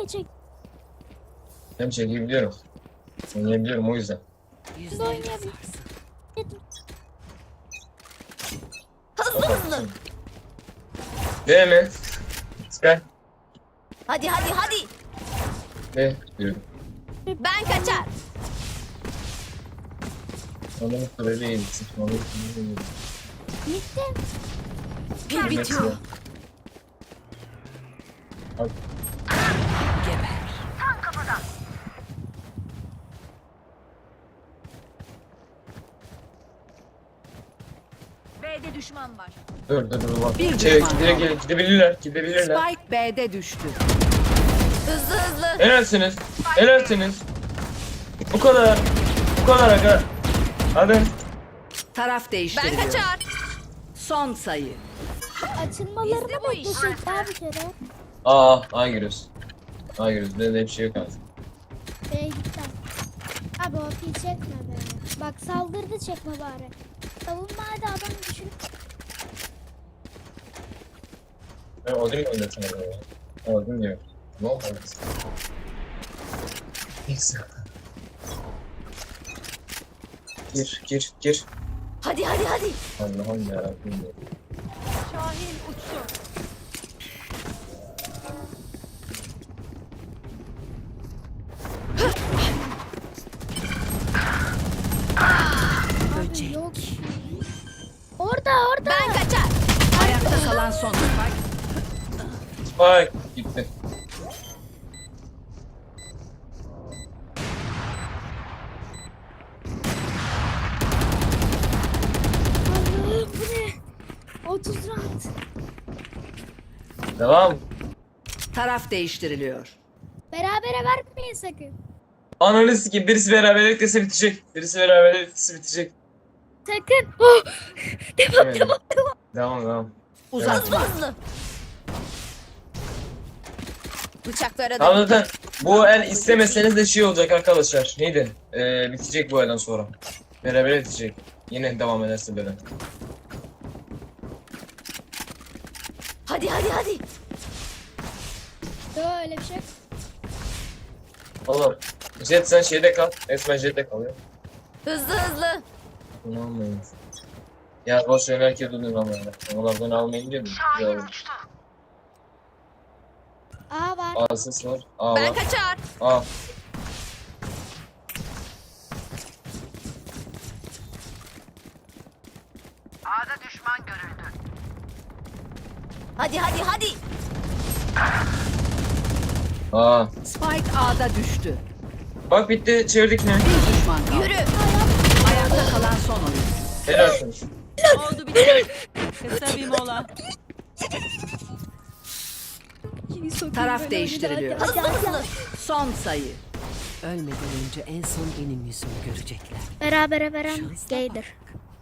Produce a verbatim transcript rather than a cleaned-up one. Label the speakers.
Speaker 1: niye çek?
Speaker 2: Hem çekebiliyorum. Oynayabiliyorum o yüzden.
Speaker 1: Yüzde oynayabilirim.
Speaker 3: Hızlı hızlı.
Speaker 2: Değil mi? Çıkar.
Speaker 3: Hadi hadi hadi.
Speaker 2: Ne? Diyorum.
Speaker 3: Ben kaçar.
Speaker 2: Onu böyle yedik. Onu böyle yedik.
Speaker 1: Bitti.
Speaker 3: Pil bitiyor.
Speaker 2: Al.
Speaker 3: Geber. B'de düşman var.
Speaker 2: Dur dur dur bak.
Speaker 4: Bir
Speaker 2: Şey,
Speaker 4: düşman
Speaker 2: gide,
Speaker 4: kaldı.
Speaker 2: gide, gidebilirler. Gidebilirler.
Speaker 4: Spike B'de düştü.
Speaker 3: Hızlı hızlı.
Speaker 2: Helalsiniz. Helalsiniz. Bu kadar. Bu kadar aga. Hadi.
Speaker 4: Taraf
Speaker 3: Ben
Speaker 4: değiştiriliyor.
Speaker 3: kaçar.
Speaker 4: Son sayı.
Speaker 1: Açılmalarını
Speaker 3: Bizde bu iş.
Speaker 1: beklesek daha bir kere.
Speaker 2: Aa, A giriyoruz. A giriyoruz. Benim de bir şey yok artık.
Speaker 1: B'ye gittim. Abi o pi çekme be. Bak saldırdı çekme bari. Savunma hadi adam düşün.
Speaker 2: Ben Odin mi oynatayım ya? Odin diyor. Ne oldu? Neyse. Gir, gir, gir.
Speaker 3: Hadi hadi hadi.
Speaker 2: Allah'ım yarabbim ya.
Speaker 3: Şahin uçtu.
Speaker 1: Abi yok. Orada orada.
Speaker 3: Ben kaçar.
Speaker 4: Ayakta kalan son Spike.
Speaker 2: Spike gitti.
Speaker 1: Allah'ım bu ne? otuz round.
Speaker 2: Devam.
Speaker 4: Taraf değiştiriliyor.
Speaker 1: Berabere vermeyin sakın.
Speaker 2: Ananı sikeyim. Birisi beraberlikle bitecek. Birisi beraberlikle bitecek.
Speaker 1: Sakın. Oh. Devam
Speaker 2: Evet.
Speaker 1: devam devam.
Speaker 2: Devam devam.
Speaker 3: Hızlı
Speaker 4: Uzatma.
Speaker 3: hızlı. Bıçaklara
Speaker 2: Tamam
Speaker 3: da.
Speaker 2: zaten bu el istemeseniz de şey olacak arkadaşlar. Neydi? Ee, bitecek bu elden sonra. Beraber bitecek. Yine devam ederse böyle.
Speaker 3: Hadi hadi hadi.
Speaker 1: Yok öyle bir şey. yok.
Speaker 2: Oğlum. Jet sen şeyde kal. Esmen Jet'te kalıyor.
Speaker 3: Hızlı hızlı.
Speaker 2: Bunu almayın. Ya boş ver herkes dönüyor ama yani. Onlardan almayın diyor mu? Güzel olur.
Speaker 1: A var.
Speaker 2: A ses var. A
Speaker 3: Ben
Speaker 2: var.
Speaker 3: kaçar.
Speaker 2: A.
Speaker 3: Hadi hadi hadi.
Speaker 2: A.
Speaker 4: Spike A'da düştü.
Speaker 2: Bak bitti. Çevirdik ne?
Speaker 4: Bir düşman kaldı.
Speaker 3: Yürü.
Speaker 4: Ayakta kalan son oyun.
Speaker 2: Helalsiniz.
Speaker 5: Oldu bitti. Kısa bir mola.
Speaker 4: Taraf değiştiriliyor.
Speaker 3: Hızlı hızlı.
Speaker 4: Son sayı.
Speaker 5: Ölmeden önce en son benim yüzümü görecekler.
Speaker 1: Berabere veren gaydir.